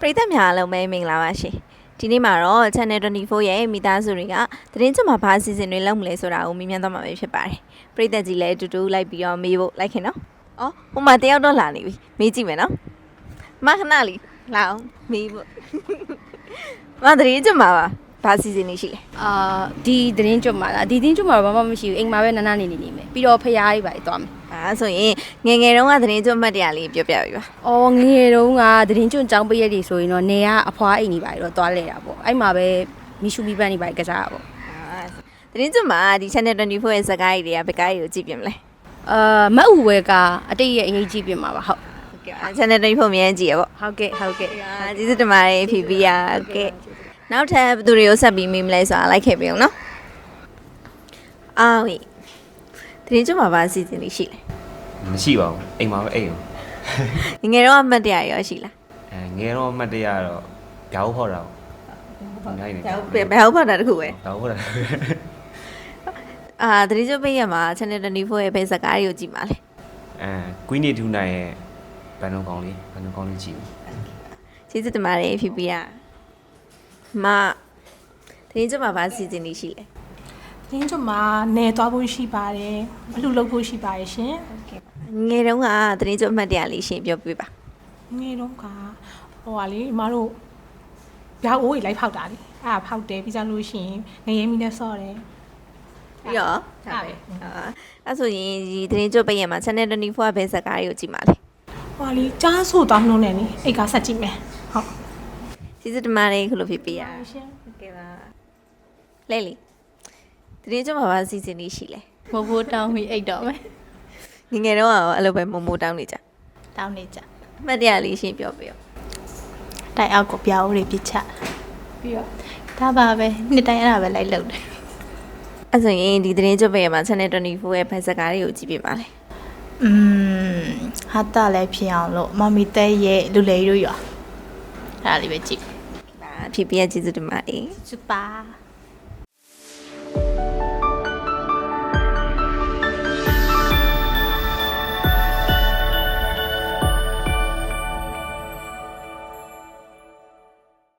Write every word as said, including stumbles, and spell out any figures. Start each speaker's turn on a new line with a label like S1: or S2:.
S1: ပရိသတ်များအားလုံးပဲမင်္ဂလာပါရှင်ဒီနေ့မှာတော့ Channel တwenty fourရဲ့မိသားစုတွေကသတင်းကြွမှာဘာအစီအစဉ်တွေလုပ်မလဲဆိုတာကိုမြင်မြန်သွားမှာပဲဖြစ်ပါတယ်ပရိသတ်ကြီးလည်းအတူတူလိုက်ပြီးတော့မေးဖို့လိုက်ခင်နော်အော်ဟိုမှာတယောက်တော့လာနေပြီမေးကြည့်မယ်နော်မခဏလေးလာအောင်မေးဖို့မသတင်းကြွမှာပါဘာအစီအစဉ်တွေရှိလဲ
S2: အာဒီသတင်းကြွမှာလားဒီသတင်းကြွမှာတော့ဘာမှမရှိဘူးအိမ်မှာပဲနားနားနေနေနေမယ်ပြီးတော့ဖျားကြီးပါသွားမယ်
S1: အာဆိုရင်ငယ်ငယ်တုန်းကသတင်းကြွမှတ်တရားလေးပြောပြပေးပါ
S2: ။အော်ငယ်ငယ်တုန်းကသတင်းကြွចောင်းပရက်တွေဆိုရင်တော့နေကအဖွားအိမ်နေပါတော့သွားလဲတာပေါ့အဲ့မှာပဲမီရှူမီပန်းနေပါကစားတာပေါ့
S1: အာသတင်းကြွမှာဒီ Channel twenty fourရဲ့ဇာတ်ကားကြီးတွေကဘယ်ကားကြီးကိုကြည့်ပြမလဲ
S2: အာမအူဝဲကအတိတ်ရဲ့အရေးကြီးပြင်မှာပါဟုတ်
S1: ဟုတ်ကဲ့ Channel twenty four မြန်ကြည့်ရပေါ့
S2: ဟုတ်ကဲ့ဟုတ်ကဲ့
S1: အာကျေးဇူးတင်ပါတယ်ဖီဖီယာဟုတ်ကဲ့နောက်ထပ်ဘယ်သူတွေကိုဆက်ပြီးမေးမလဲဆိုတာလိုက်ခဲ့ပြီအောင်နော်အာဝေးသတင်းကြွမှာဘာအစီအစဉ်လေးရှိလဲ
S3: မရှိပါဘူးအိမ်မှာပဲအိမ်ရော
S1: ငငယ်တော့အမှတ်တရရောရှိလား
S3: အဲငယ်တော့အမှတ်တရတော့ဗျာဟုတ်ဖောက်တာပေါ့နိုင်နေ
S1: ဘယ်ဟုတ်ဖတ်တာတခုပဲ
S3: ဗျာဟုတ်ဖောက်တာ
S1: အာသတင်းကြွပေးရမှာ Channel twenty fourရဲ့ဘယ်ဇာတ်ကားတွေကိုကြည့်မှာလဲ
S3: အဲကွီးနေထူနိုင်ရဲ့ဘန်နုံကောင်းလေးဘန်နုံကောင်းလေးကြည့်ဘူး
S1: ကျေးဇူးတင်ပါတယ်ဖီဖီယာမသတင်းကြွမှာဘာအစီအစဉ်လေးရှိလဲ
S4: ။တင်းကျမနေသွားဖို့ရှိပါတယ်။ဘလူလုပ်ဖို့ရှိပါတယ်ရှင်
S1: ငယ်တုန်းကသတင်းကြွအမှတ်တရလေးရှင်းပြောပြပါ
S4: ။ငယ်တော့ကဟိုဟာလေအမတို့ရောက်အိုးကြီးလိုက်ဖောက်တာလေ။အဲ့ဒါဖောက်တယ်ပြီးကြလို့ရှိရင်ငရဲမီနဲ့ဆော့တယ်
S1: ပြီးတော့
S4: ။ဒါပဲ
S1: အာအဲ့ဆိုရင်ဒီသတင်းကြွပေးရမှာ Channel twenty fourရဲ့ဘယ်ဇာတ်ကားတွေကိုကြည့်မှာလဲ
S4: ။ဟိုဟာလေကြားဆိုသွားမလို့နဲ့နိအိတ်ကဆက်ကြည့်မယ်။ဟုတ်
S1: ကျေးဇူးတင်ပါတယ်ခုလိုဖီဖီယာ
S4: ။ရှင်
S1: ဟုတ်ကဲ့ပါလဲလီသတင်းကြမှာဘာစီစဉ်နေရှိလဲ
S5: မဖိုးတောင်းပြီးအိတ်တော့မယ်
S1: ငငယ်တော့ရောအဲ့လိုပဲမမိုးတောင်းနေကြ
S5: တောင်းနေကြ
S1: အမှတ်တရလေးရှင်းပြောပြရော
S5: တိုက်အောက်ကိုပြောင်းဦးတွေပြစ်ချပြီးတော့ဒါပါပဲနှစ်တိုင်းအဲ့ဒါပဲလိုက်လုပ်တယ်
S1: အဲ့ဆိုရင်ဒီသတင်းကြပေးရမှာ Channel twenty fourရဲ့ဖက်စကားတွေကိုကြည့်ပြပါလေ
S5: อืมဟာတာလည်းဖြစ်အောင်လို့မမီတဲရဲ့လူလေတို့ရောအဲ့ဒါလေးပဲကြည့်
S1: ပါဖြစ်ပြကျေးဇူးတင်ပါတယ်
S5: စူပါ